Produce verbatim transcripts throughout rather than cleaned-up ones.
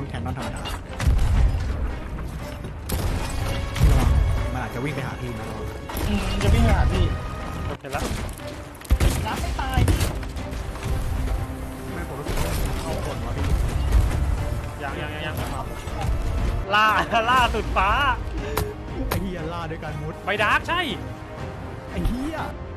แคนนอนธรรมดามันอาจจะวิ่งไปหาพี่นะอืมจะวิ่งไปหาพี่เห็นแล้วน้ำไม่ตายไม่ผมรู้สึกว่าเข้าคนวะพี่ยังยังยังยังล่าล่าสุดฟ้าไอ้เหี้ยล่าด้วยการมุดไปดาร์กใช่ไอ้เหี้ย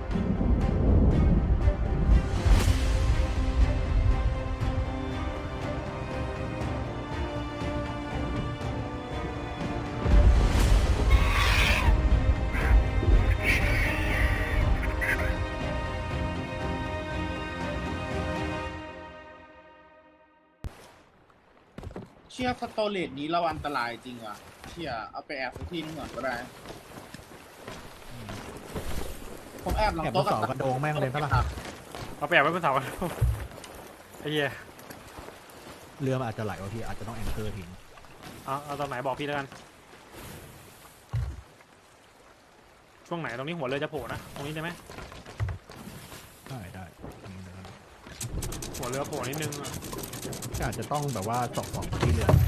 เชื่อสโตเลตนี้เราอันตรายจริงว่ะเชื่อเอาไปแอบที่นึงก่อนก็ได้ผมแอบหลังโต๊ะกับกระโดงแม่งเลยปะล่ะเอาไปแอบไว้บนเสาไอ้เหี้ยเรือมันอาจจะไหลวะพี่อาจจะต้องแองเกอร์ทิ้งเอาเอาตอนไหนบอกพี่แล้วกันช่วงไหนตรงนี้หัวเรือจะโผล่นะตรงนี้ได้ไหมได้ได้หัวเรือโผล่นิดนึงก็อาจจะต้องแบบว่าสองสองที่เรือ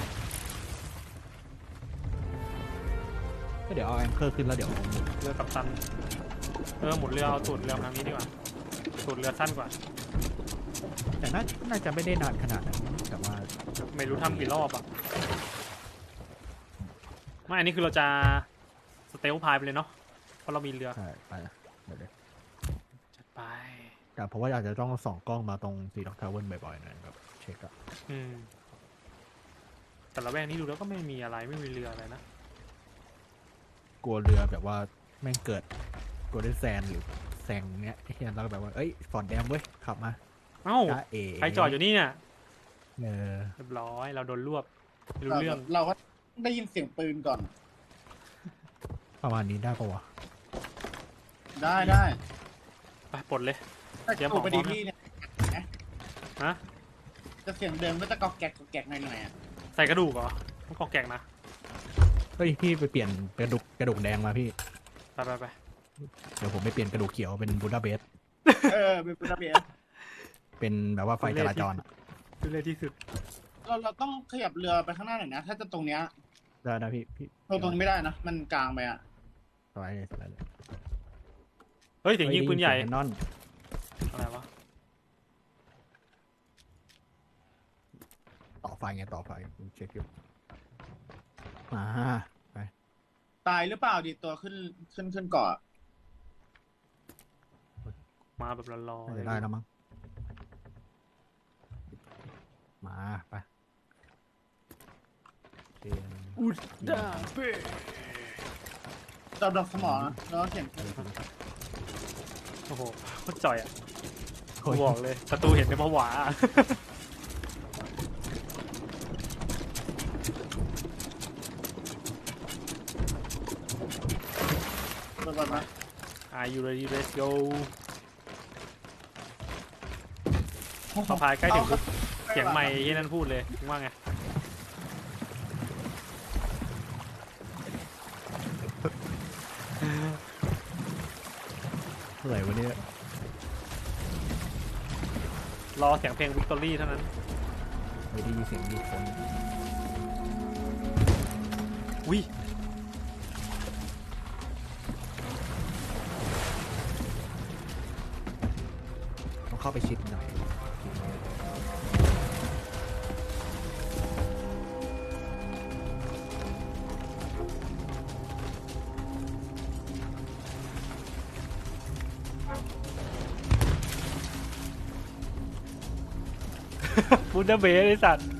ก็เดี๋ยวเอาแองเกอร์ขึ้นแล้วเดี๋ยวเรือกัปตันเออหมุนเรือเอาตูดเรือทางนี้ดีกว่าตูดเรือสั้นกว่าแต่น่าน่าจะไม่ได้นานขนาดนั้นแต่ว่าไม่รู้ทำกี่รอบอ่ะไม่อันนี้คือเราจะสเตลพายไปเลยเนาะเพราะเรามีเรือใช่ไปเดี๋ยวจัดไปแต่เพราะว่าอาจจะต้องส่องกล้องมาตรงซีด็อกทาวเวอร์บ่อยๆนะครับเช็คอะอืมแต่ละแวกนี้ดูแล้วก็ไม่มีอะไรไม่มีเรืออะไรนะกลัวเรือแบบว่าแม่งเกิดกลัวได้แซนหรือแซงเนี้ยเฮียเราแบบว่าเอ้ยฟอนแดมเว้ยขับมาเอ้าใครจอดอยู่นี่เนี่ยเออเรียบร้อยเราโดนรวบรู้เรื่องเราก็ได้ยินเสียงปืนก่อนประมาณนี้ได้ปะวะได้ได้ไปปลดเลยเดี๋ยวผมไปดีพี่เนี่ยฮะจะเสียงเดิมก็จะกอกแกกกอกแกกหน่อยๆอ่ะใส่กระดูกเหรอต้องกอกแกกนะเฮ้ยพี่ไปเปลี่ยนกระดูกกระดูกแดงมาพี่ไปไปไปเดี๋ยวผมไปเปลี่ยนกระดูกเขียวเป็นบูดาเบสเออเป็นบูดาเบสเป็นแบบว่าไฟจราจรคือเลยที่สุดเราเราต้องขยับเรือไปข้างหน้าหน่อยนะถ้าจะตรงเนี้ยได้นะพี่พี่ตรงตรงนี้ไม่ได้นะมันกลางไปอ่ะสบายเลยสบายเลยเฮ้ยเสียงยิงปืนใหญ่นอนอะไรวะต่อไฟไงต่อไฟเช็คอยู่มาไปตายหรือเปล่าดิตัวขึ้นขึ้นขึ้นเกาะมาแบบรอๆได้แล้วมั้งมาไปอุดดาเป้จับดอกสมองแล้วเสียงโอ้โหโคตรจ่อยอ่ะบอกเลยประตูเห็นในผวาไปไป Are you ready let's go พอพายใกล้ถึงปุ๊บเสียงไมค์ที่นั่นพูดเลยว่าไงอะไรวะเนี่ยรอเสียงเพลงวิกตอรี่เท่านั้นไม่ได้ยินเสียงมีคนวิต้องเข้าไปชิดหน่อยบูดาเบสไอสัตว์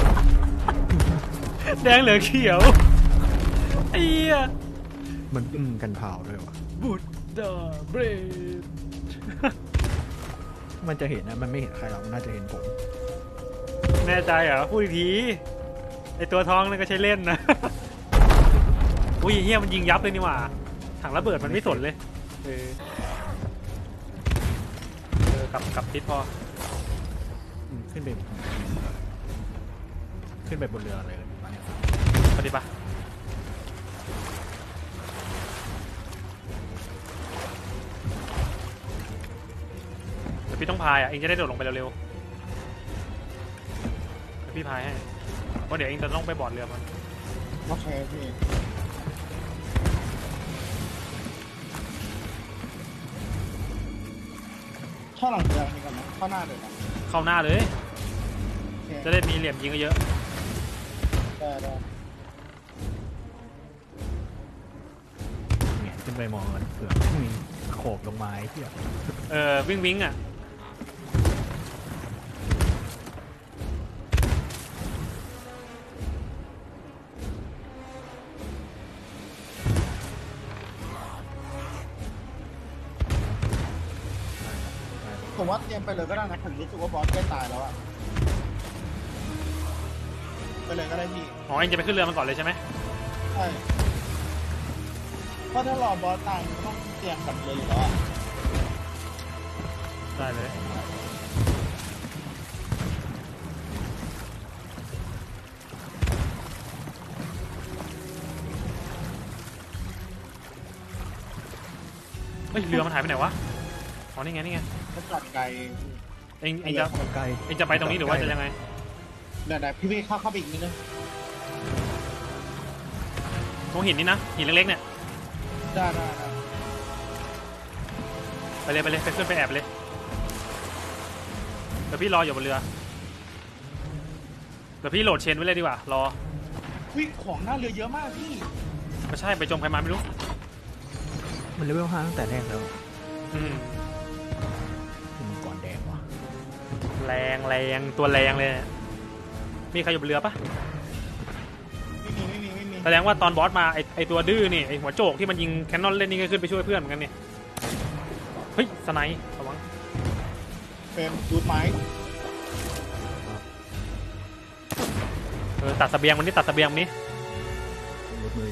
แดงเหลืองเขียวไอ้เหี้ยมันอึ้งกันเผาด้วยวะบูดาเบสมันจะเห็นนะมันไม่เห็นใครหรอกมันน่าจะเห็นผมแน่ใจเหรอพูดอีกทีไอตัวท้องนั่นก็ใช้เล่นนะอุ้ยเฮียมันยิงยับเลยนี่หว่าถังระเบิดมันไม่สนเลยเออเออกลับกลับทิศพอขึ้นไปขึ้นไปบนเรืออะไรเลยมาเนี่ยปฏิบัติแต่พี่ต้องพายอ่ะเองจะได้โดดลงไปเร็วๆพี่พายให้เพราะเดี๋ยวเองจะต้องไปบอร์ดเรือมันโอเคพี่เข้าหลังเรือนี่ก่อนนะเข้าหน้าเลยนะเข้าหน้าเลยโอเคจะได้มีเหลี่ยมยิงเยอะได้ได้เนี่ยขึ้นไปมองกันเผื่อมีโขบลงมาไอ้เหี้ยๆเออวิ่งวิ่งอ่ะผมว่าเตรียมไปเลยก็ได้นะผมรู้สึกว่าบอสใกล้ตายแล้วอะไปเลยก็ได้พี่อ๋อเองจะไปขึ้นเรือมันก่อนเลยใช่ไหมใช่เพราะถ้ารอบอสตายมันก็ต้องเตรียมกลับเลยอยู่แล้วอะได้เลยเฮ้ยเรือมันหายไปไหนวะอ๋อนี่ไงนี่ไงก็จอดไกลเองเองจะใกล้เองจะไปตรงนี้หรือว่าจะยังไงเดี๋ยวๆพี่พี่เข้าเข้าไปอีกนิดนึงตรงหินนี่นะหินเล็กๆเนี่ยได้ได้ได้ไปเลยไปเลยไปขึ้นไปแอบเลยเดี๋ยวพี่รออยู่บนเรือเดี๋ยวพี่โหลดเชนไว้เลยดีกว่ารอวิ่งของหน้าเรือเยอะมากพี่ไม่ใช่ไปจมใครมาไม่รู้มันเลเวลห้าตั้งแต่แรกแล้วอืมที่มังกรแดงว่ะแรงแรงตัวแรงเลยเนี่ยมีใครอยู่บนเรือปะไม่มีไม่มีไม่มีแสดงว่าตอนบอสมาไอไอตัวดื้อนี่ไอหัวโจกที่มันยิงแคนนอนเล่นนี่ก็ขึ้นไปช่วยเพื่อนเหมือนกันนี่เฮ้ยสไนป์ระวังเฟรมดูดไม้เออตัดเสบียงมันนี่ตัดเสบียงมันนี่รถมือ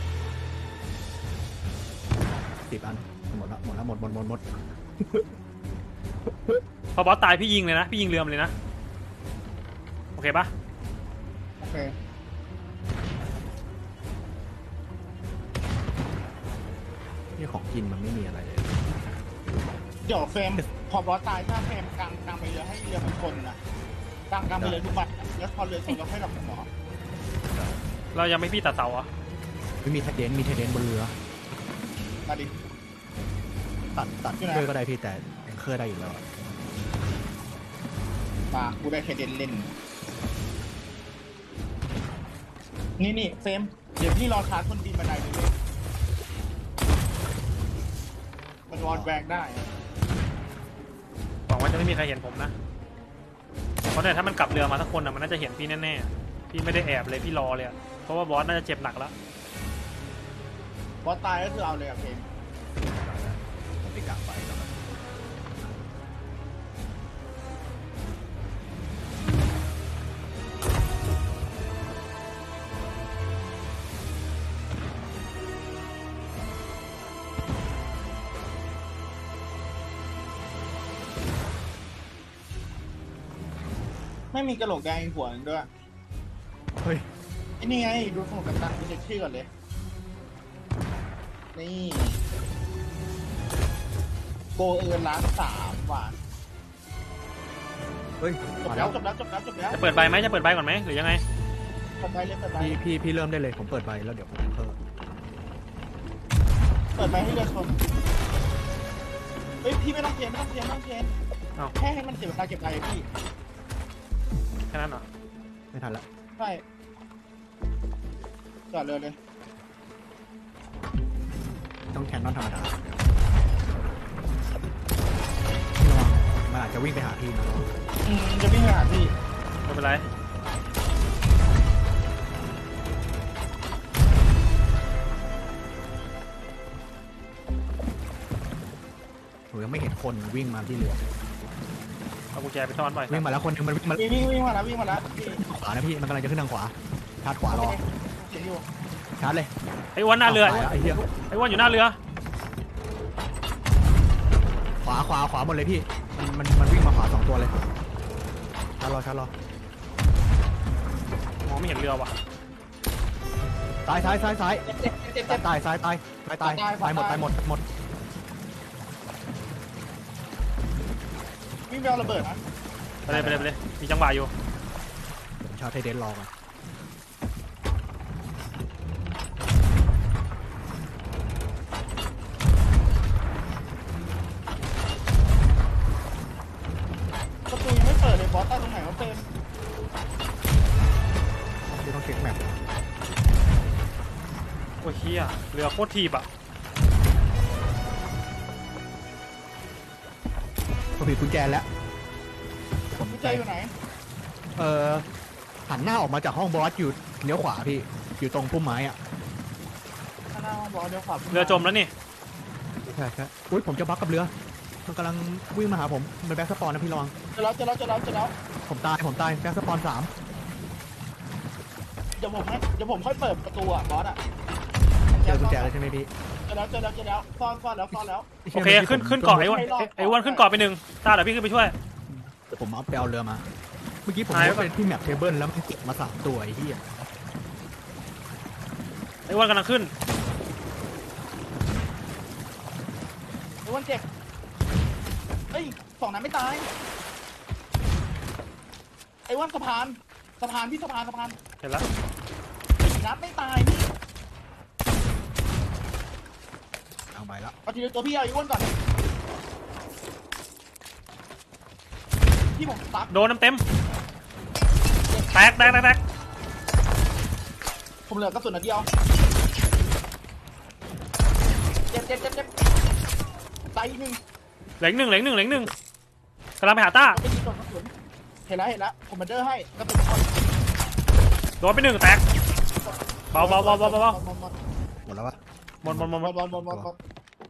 สิบอันหมดละหมดละหมดหมดหมดหมดพอบอสตายพี่ยิงเลยนะพี่ยิงเรือมันเลยนะโอเคปะโอเคนี่ของกินมันไม่มีอะไรเลยเดี๋ยวเฟรมพอบอสตายถ้าเฟรมกลางกลางไปเรือให้เรือมันชนนะกลางกลางไปเรือทุกบัตรแล้วพอเรือชนเราค่อยหลับหมอเรายังไม่พี่ตัดเสาอ่ะไม่มีไทเดนมีไทเดนบนเรือมาดิตัดตัดอยู่ไหนเครื่องก็ได้พี่แต่แองเคอร์ได้อยู่แล้วอะมากูได้แค่เด่นเล่น นี่นี่เฟรมเดี๋ยวพี่รอชาร์จคนบินบันไดเลยเว้ยมันวอลแวกได้หวังว่าจะไม่มีใครเห็นผมนะเพราะเนี่ยถ้ามันกลับเรือมาสักคนอ่ะมันน่าจะเห็นพี่แน่ๆพี่ไม่ได้แอบเลยพี่รอเลยอะเพราะว่าบอสน่าจะเจ็บหนักแล้วบอสตายก็คือเอาเลยอะเฟรมผมไปกะไปแล้วกันไม่มีกระโหลกแดงอีกหัวหนึงด้วยเฮ้ยไอ้นี่ไงดูสมุดกัปตันดูเช็คชื่อก่อนเลย นี่โกเอิร์นล้านสามว่ะเฮ้ยจบมาแล้แล้ว วจบแล้วจบแล้วจบแล้วจะเปิดใบไหมจะเปิดใบก่อนไหมหรือยังไงเปิดใบเลยเปิดใบพี่พี่พี่เริ่มได้เลยผมเปิดใบแล้วเดี๋ยวผมเพิ่มเปิดใบให้เรือชนเฮ้ยพี่ไม่ต้องเทนไม่ต้องเทนไม่ต้องเทนอ้าวแค่ให้มันเสียเวลาเก็บใบอะพี่แค่นั้นเหรอไม่ทันละใช่จอดเรือเลยต้องแคนนอนธรรมดาพี่ระวังมันอาจจะวิ่งไปหาพี่นะอืมจะวิ่งไปหาพี่ไม่เป็นไรผมยังไม่เห็นคนวิ่งมาที่เรือเอากุญแจไปซ่อนไว้วิ่งมาแล้วคนหนึงมันวิ่งมาวิ่งวิ่งวิ่งมาแล้ววิ่งมาแล้วพี่ขวานะพี่มันกำลังจะขึ้นทางขวาชาร์จขวารอเสียงอยู่ชาร์จเลยไอ้อ้วนหน้าเรือไปแล้วไอ้เหี้ยไอ้อ้วนอยู่หน้าเรือขวาขวาขวาหมดเลยพี่มันมันมันวิ่งมาขวาสองตัวเลยชาร์จรอชาร์จรอมองไม่เห็นเรือว่ะซ้ายซ้ายซ้ายซ้ายเจ็บเจ็บเจ็บเจ็บตายซ้ายตายตายตายตายตายตายหมดตายหมดหมดวิ่งไปเอาระเบิดนะไปเลยไปเลยไปเลยมีจังหวะอยู่ผมชาร์จไทเดนรอกันบอสตายตรงไหนวะเฟรมที่ต้องเช็คแมปโอ้ยเฮียเรือโคตรทีบอ่ะผมผิดกุญแจแล้วผมกุญแจอยู่ไหนเอ่อหันหน้าออกมาจากห้องบอสอยู่เลี้ยวขวาพี่อยู่ตรงพุ่มไม้อะข้างหน้าห้องบอสเดี๋ยวขวาเรือจมแล้วนี่ใช่ใช่อุ้ยผมจะบักกับเรือมันกำลังวิ่งมาหาผมมันแบ็กสปอนนะพี่ระวังเจอแล้วเจอแล้วเจอแล้วเจอแล้วผมตายผมตายแบ็กสปอนสามเดี๋ยวผมให้เดี๋ยวผมค่อยเปิดประตูอ่ะบอสอ่ะเจอกุญแจแล้วใช่ไหมพี่เจอแล้วเจอแล้วเจอแล้วซ่อนซ่อนแล้วซ่อนแล้วโอเคขึ้นขึ้นเกาะไอ้อ้วนไอ้อ้วนขึ้นเกาะไปหนึ่งตาเดี๋ยวพี่ขึ้นไปช่วยเดี๋ยวผมเอาไปเอาเรือมาเมื่อกี้ผมหายไปว่าเป็นที่แมปเทเบิลแล้วมันเก็บมาสามตัวไอ้เหี้ยไอ้อ้วนกำลังขึ้นไอ้วันเจ็บเอ้ยสองนั้นไม่ตายไอ้วันสะพานสะพานพี่สะพานสะพานเห็นแล้วสี่นัดไม่ตายพี่เอาไปแล้วเอาทีเดียวตัวพี่เอาไอ้อ้วนก่อนพี่ผมซับโดนน้ำเต็มแตกแตกแตกแตกผมเหลือกระสุนนัดเดียวเจ็บเจ็บเจ็บเจ็บตายอีกหนึ่งเหลืออีกหนึ่งเหลืออีกหนึ่งเหลืออีกหนึ่งกำลังไปหาต้าไม่ดีโดนกระสุนเห็นแล้วเห็นแล้วผมมาเดอร์ให้กระสุนหมดโดนไปหนึ่งแตกเบาเบาเบาเบาเบาหมดหมดหมดแล้วปะหมดหมดหมดหหมมดดหมดหมดหมดหมด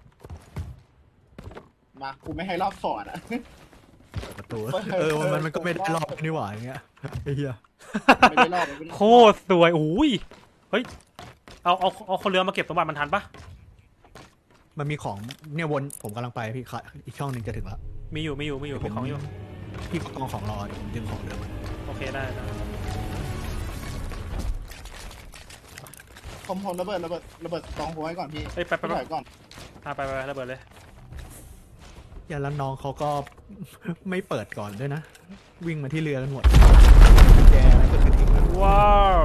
มากูไม่ให้รอบสอนอ่ะประตูเออมันมันก็ไม่ได้รอบนี่หว่าอย่างเงี้ยไอ้เหี้ยไม่ได้รอบไม่ได้รอบโคตรสวยโอ้ยเฮ้ยเอาเอาเอาคนเรือมาเก็บสมบัติมันทันปะมันมีของเนี่ยวนผมกำลังไปพี่ค่ะอีกช่องหนึ่งจะถึงแล้วมีอยู่มีอยู่มีอยู่มีของอยู่พี่กองของรอเดี๋ยวผมดึงของเรือมาโอเคได้ได้ผมผมระเบิดระเบิดระเบิดกองหัวให้ก่อนพี่เอ้ยไปไปพี่ไปถอยก่อนอ่ะไปไปไประเบิดเลยอย่าแล้วน้องเขาก็ ไม่เปิดก่อนด้วยนะ วิ่งมาที่เรือกันหมดแจอะไรก็ทิ้งไว้ว้าว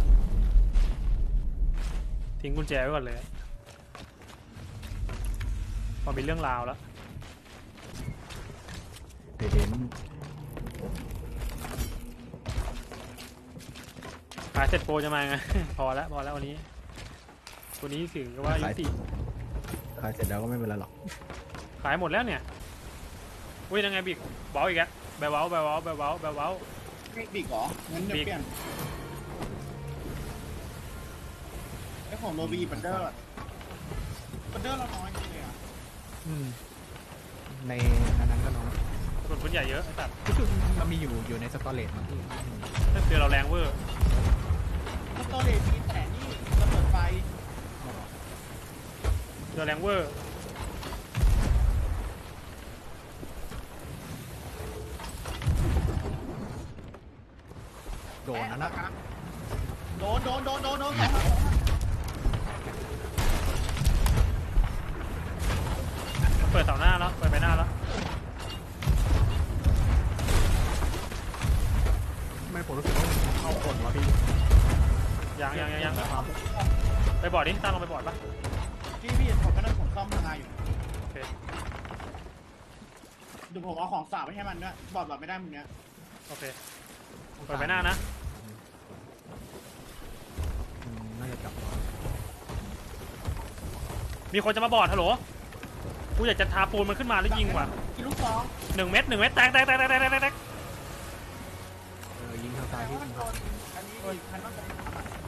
ทิ้งกุญแจไว้ก่อนเลยพอมีเรื่องราวแล้วเดี๋ยวเห็นขายเสร็จโปรจะมาไง พอแล้วพอแล้ววันนี้วันนี้ถือว่ายุติขายเสร็จแล้วก็ไม่เป็นไรหรอกขายหมดแล้วเนี่ยอุ้ยยังไงบิ๊กเบาอีกแล้วแบลเบาแบลเบาแบลเบาแบลเบาไม่บิ๊กเหรองั้นเดี๋ยวเปลี่ยนไอ้ของโรบีบันเดอร์บันเดอร์เราน้อยจริงเลยอ่ะอืมในอันนั้นก็น้อยกระสุนปืนใหญ่เยอะไอ้สัตว์รู้สึกมันมีอยู่อยู่ในสตอเรจมั้งพี่เรือเราแรงเวอร์สโตเรจมีแต่นี่ระเบิดไฟเรือแรงเวอร์โดนนะนะโดนโดนโดนโดนโดนเปิดเสาหน้าแล้วเปิดไปหน้าแล้วไม่ผมรู้สึกว่ามันเข้าคนวะพี่ยังยังยังยังไปบอร์ดดิตั้งลงไปบอร์ดปะพี่พี่ผมก็นั่งผมซ่อมทำงานอยู่โอเคเดี๋ยวผมเอาของสาบไปให้มันด้วยบอดแบบไม่ได้มึงเนี้ยโอเคเปิดไปหน้านะอืมน่าจะจับตัวมีคนจะมาบอร์ดฮัลโหลกูอยากจะทาปูนมันขึ้นมาแล้วยิงว่ะกินลูกซองหนึ่งเม็ดหนึ่งเม็ดแตกแตกแตกแตกแตกแตกแตกเออยิงทางซ้ายแต่พี่ว่ามันโดนอันนี้อีกคันต้องเป็น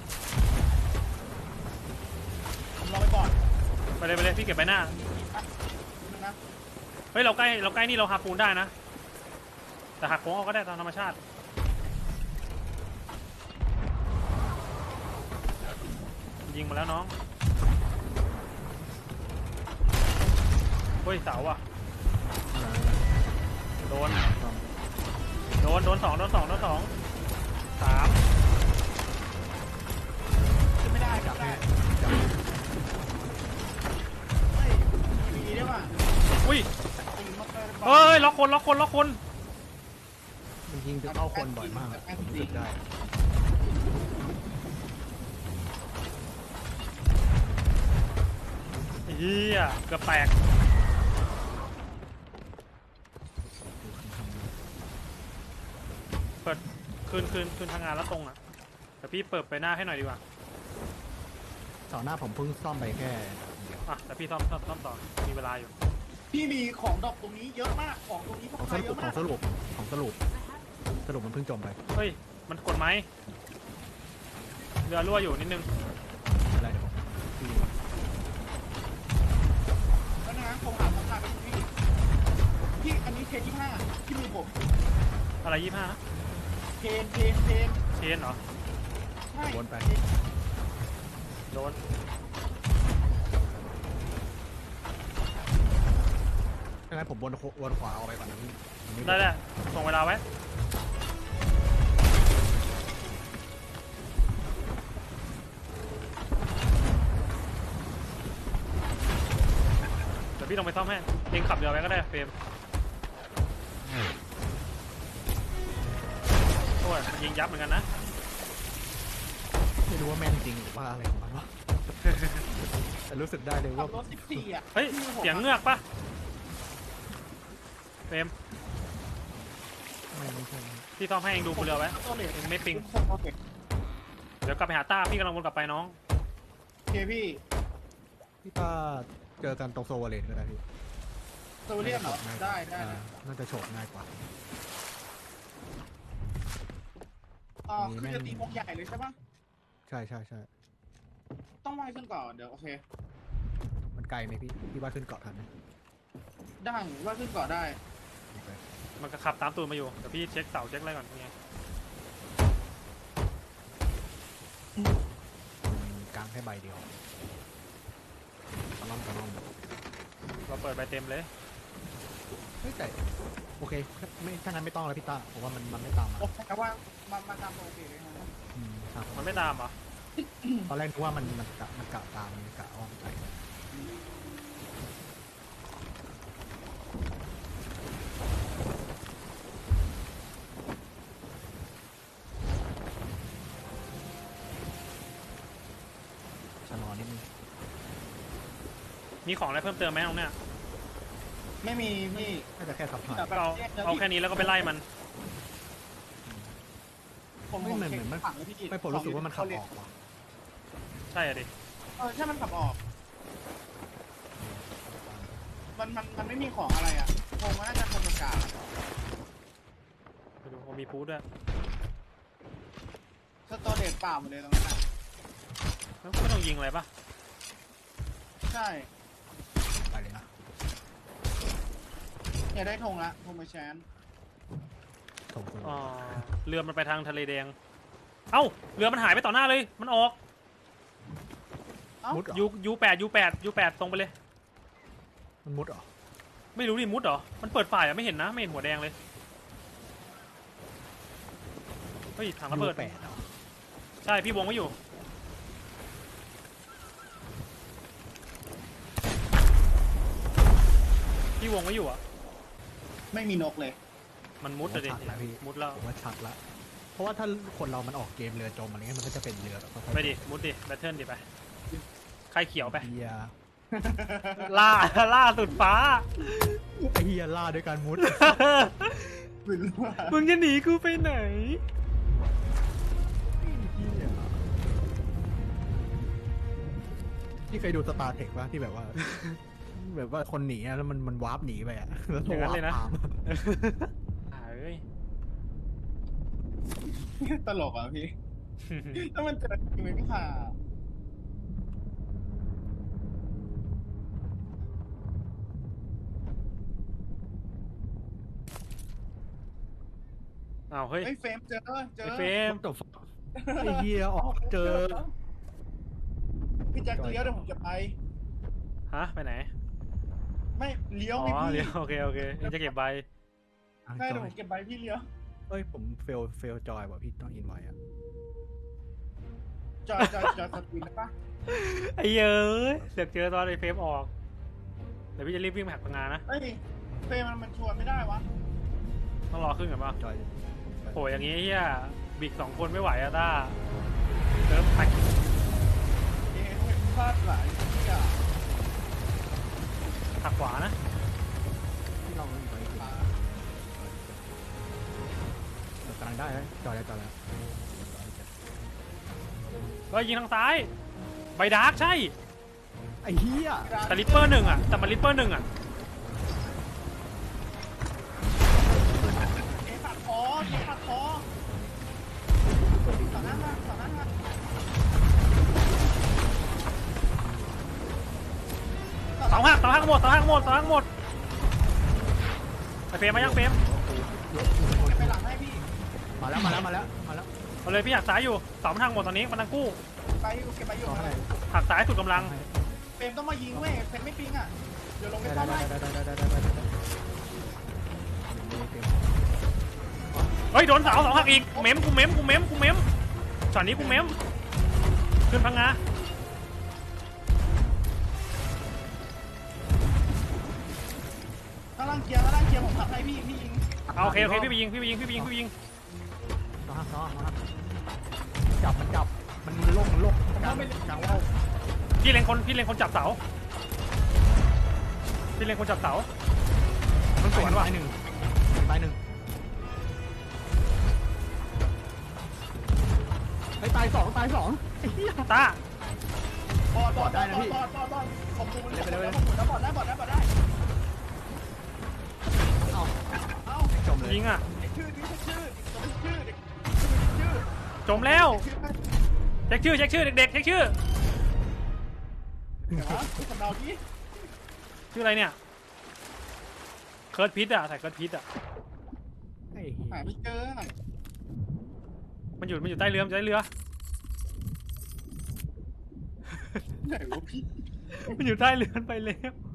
ผมรอไปก่อนไปเลยไปเลยพี่เก็บไปหน้านะเฮ้ยเราใกล้เราใกล้นี่เราหาปูนได้นะแต่หักโค้งเอาก็ได้ตามธรรมชาติยิงมาแล้วน้องเฮ้ยเสาอ่ะโดนโดนโดนสองโดนสองโดนสองสามขึ้นไม่ได้จัจับบ ให้ได้จับเฮ้ยมีได้ป่ะอุ้ยตีมอเตอร์เฮ้ยล็อกคนล็อกคนล็อกคนมันยิงจะเข้าคนบ่อยมากรู้สึกได้เฮียเกือบแตกคืนคืนคืนทางงานแล้วตรงอ่ะแต่พี่เปิดไปหน้าให้หน่อยดีกว่าเสาหน้าผมเพิ่งซ่อมไปแค่เดียวอ่ะแต่พี่ซ่อมซ่อมซ่อมต่อมีเวลาอยู่พี่มีของดอกตรงนี้เยอะมากของตรงนี้พวขอก งสใครรุเยปอะขอมาง กสรุปของสรุปสรุปมันเพิ่งจมไปเฮ้ยมันกดไหมเรือรั่วอยู่นิดนึงอะไรเดี๋ยวผมพี่แล้วนะผมหาสำคัญไปพี่พี่อันนี้เทนที่ห้าที่มือผมอะไรยี่ห้าเทนเทนเทนเชนเหรอใช่วนไปโดนถ้างั้นผมวนวนขวาออกไปก่อนนะพี่อันนี้ได้แหละส่งเวลาไว้เดี๋ยวพี่ลงไปซ่อมให้เองขับเรือไปก็ได้เฟรมโอ้ยมันยิงยับเหมือนกันนะไม่รู้ว่าแม่นจริงหรือว่าอะไรของมันวะ แต่รู้สึกได้เลยขัว่าบรถสิบสี่อ่ะเฮ้ยเสียงเงือกปะเฟรมไม่ไม่ใช่พี่ซ่อมให้เองดูบนเรือไว้ตัวเหล็กเองไม่ปิงโอเคเดี๋ยวกลับไปหาต้าพี่กำลังวนกลับไปน้องโอเคพี่พี่ป้าเจอกันตรงโซวาเลนก็ได้พี่โซเลียนเหรอได้ได้อ่าน่าจะโฉบง่ายกว่าอ๋อคือจะตีวงใหญ่เลยใช่ปะใช่ใช่ใช่ต้องว่ายขึ้นก่อนเดี๋ยวโอเคมันไกลไหมพี่พี่ว่าขึ้นเกาะทันไหมได้ว่ายขึ้นก่อนได้โอเคมันก็ขับตามตูดมาอยู่เดี๋ยวพี่เช็คเสาเช็คอะไรก่อนไงมันกลางแค่ใบเดียวตะล่อมตะล่อมเราเปิดใบเต็มเลยเฮ้ยแต่โอเคไม่ถ้างั้นไม่ต้องแล้วพี่ต้าผมว่ามันมันไม่ตามมาโอเคว่ามามาทำโอเคเลยนะอืมครับมันไม่ตามเหรอตอนแรกนึกว่ามันมันกะมันกะตามมันกะอ้อมไปชะลอนิดนึงมีของอะไรเพิ่มเติมไหมตรงเนี้ยไม่มีพี่น่าจะแค่ขับผ่านก็เอาเอาแค่นี้แล้วก็ไปไล่มันผมไม่ผมเหมือนเช็คเหมือนมันฝั่งเลยพี่ไม่ผมรู้สึกว่ามันขับออกว่ะใช่อะดิเออใช่มันขับออก มันมันมันไม่มีของอะไรอ่ะคงว่าน่าจะคงอากาศไปดูว่ามีฟูดด้วยสตอเรจเปล่าหมดเลยตรงนั้นอะแล้วไม่ต้องยิงอะไรปะใช่ไปเลยนะเนี่ยได้ธงละธงไปแชนส่งตัวอ๋อเรือมันไปทางทะเลแดง เอ้าเรือมันหายไปต่อหน้าเลย มันออกเอ้ามุดเหรอยูยูแปดยูแปดยูแปดตรงไปเลยมันมุดเหรอไม่รู้ดิมุดเหรอ มันเปิดฝ่ายอะไม่เห็นนะ ไม่เห็นหัวแดงเลย เฮ้ยถังระเบิดแปดเหรอใช่พี่วงไว้อยู่ พี่วงไว้อยู่อ่ะไม่มีนกเลยมันมุดเลยดิชัดแล้วพี่มุดแล้วผมว่าชัดละเพราะว่าถ้าคนเรามันออกเกมเรือจมอะไรเงี้ยมันก็จะเป็นเรือแบบค่อยๆไปดิ มุดดิ แบทเทิลดิไป ใครเขียวไปเฮียล่า ล่าสุดฟ้าไอ้เฮียล่าด้วยการมุดไม่รู้ว่ามึงจะหนีกูไปไหนเหี้ยพี่เคยดูสตาร์เทคป่ะที่แบบว่า แบบว่าคนหนีอะแล้วมันมันวาร์ปหนีไปอะแล้วอย่างนั้นเลยนะวาร์ปตามอ่าเอ้ยตลกอ่ะพี่ถ้ามันเจอจริงไหมพี่ข่าอ้าวเฮ้ยไอ้ยเฟรมเจอเจอไอ้เฟรมจบไอ้เฮียออกเจอพี่แจ็คเลี้ยวเดี๋ยวผมจะไปฮะ ไปไหนไม่เลี้ยวอ๋ไม่อพี่เดี๋ยวโอเค โอเคเองจะเก็บใบได้เดี๋ยวผมเก็บใบพี่เลี้ยวเอ้ยผมเฟลเฟลจอยว่ะพี่ต้องอินไว้อะจอยจอยจอยสกินได้ปะไอ้เย้ยเสือกเจอตอนไอ้เฟรมออก เดี๋ยวพี่จะรีบวิ่งไปหักพังงานนะเฮ้ยเฟรมมันมันชวนไม่ได้วะต้องรอขึ้นก่อนป่ะจอยโหอย่างงี้เฮียบิกสองคนไม่ไหวอะต้าเริ่มไปเอ๊ะพลาดหลายที่อ่ะหักขวานะที่เราอินไว้คืออ่าสกำลังได้แล้วจอดแล้วจอดแล้วเฮ้ยยิงทางซ้ายใบดาร์กใช่ไอ้เหี้ยแต่ลิปเปอร์หนึ่งอ่ะแต่มันลิปเปอร์หนึ่งอ่ะเอปากคอเอปากคอต่อหน้ามาต่อหน้ามาเสาหักเสาหักหมดเสาหักหมดเสาหักหมดไอเฟรมมายังเฟรมไปหลังให้พี่มาแล้วมาแล้วมาแล้วมาแล้วเอาเลยพี่หักซ้ายอยู่เสามันหักหมดตอนนี้มันทั้งกู้ไปอยู่เก็บไปอยู่ต่อให้หักซ้ายสุดกำลังเฟรมต้องมายิงเว้ยเฟรมไม่ปิงอ่ะเดี๋ยวลงไปได้ซ่อมได้ให้ได้ได้ได้ได้ได้ได้เฮ้ยโดนเสาเสาหักอีกเม้มกูเม้มกูเม้มกูเม้มช็อตนี้กูเม้มขึ้นพังงาข้างล่างเคลียร์ข้างล่างเคลียร์ผมขับให้พี่พี่ยิงเอาโอเคโอเคพี่ไปยิงพี่ไปยิงพี่ไปยิงพี่ไปยิงต่อฮะต่อฮะจับมันจับมันโลกมันโลกกลางกลางว่าวพี่เล็งคนพี่เล็งคนจับเสาพี่เล็งคนจับเสามันสวนว่ะตายหนึ่งตายหนึ่งไอ้ตายสองตายสองไอ้เหี้ยตาบอดบอดได้นะพี่บอดบอดบอดผมดูมันแล้วผมแล้วบอดได้บอดได้บอดได้เอ้าเอ้าจมเลยยิงอ่ะเด็กชื่อดิชื่อตัวเป็นชื่อเด็กชื่อจมแล้วชื่อเช็คชื่อเช็คชื่อเด็กๆเช็คชื่อเดี๋ยวนะสำเนาดิชื่ออะไรเนี่ยเคิร์ดพิทอ่ะใส่เคิร์ดพิทอ่ะไอ้หาไม่เจอมันอยู่มันอยู่ใต้เรือมันอยู่ใต้เรือไหนวะพี่มันอยู่ใต้เรือไปแล้ว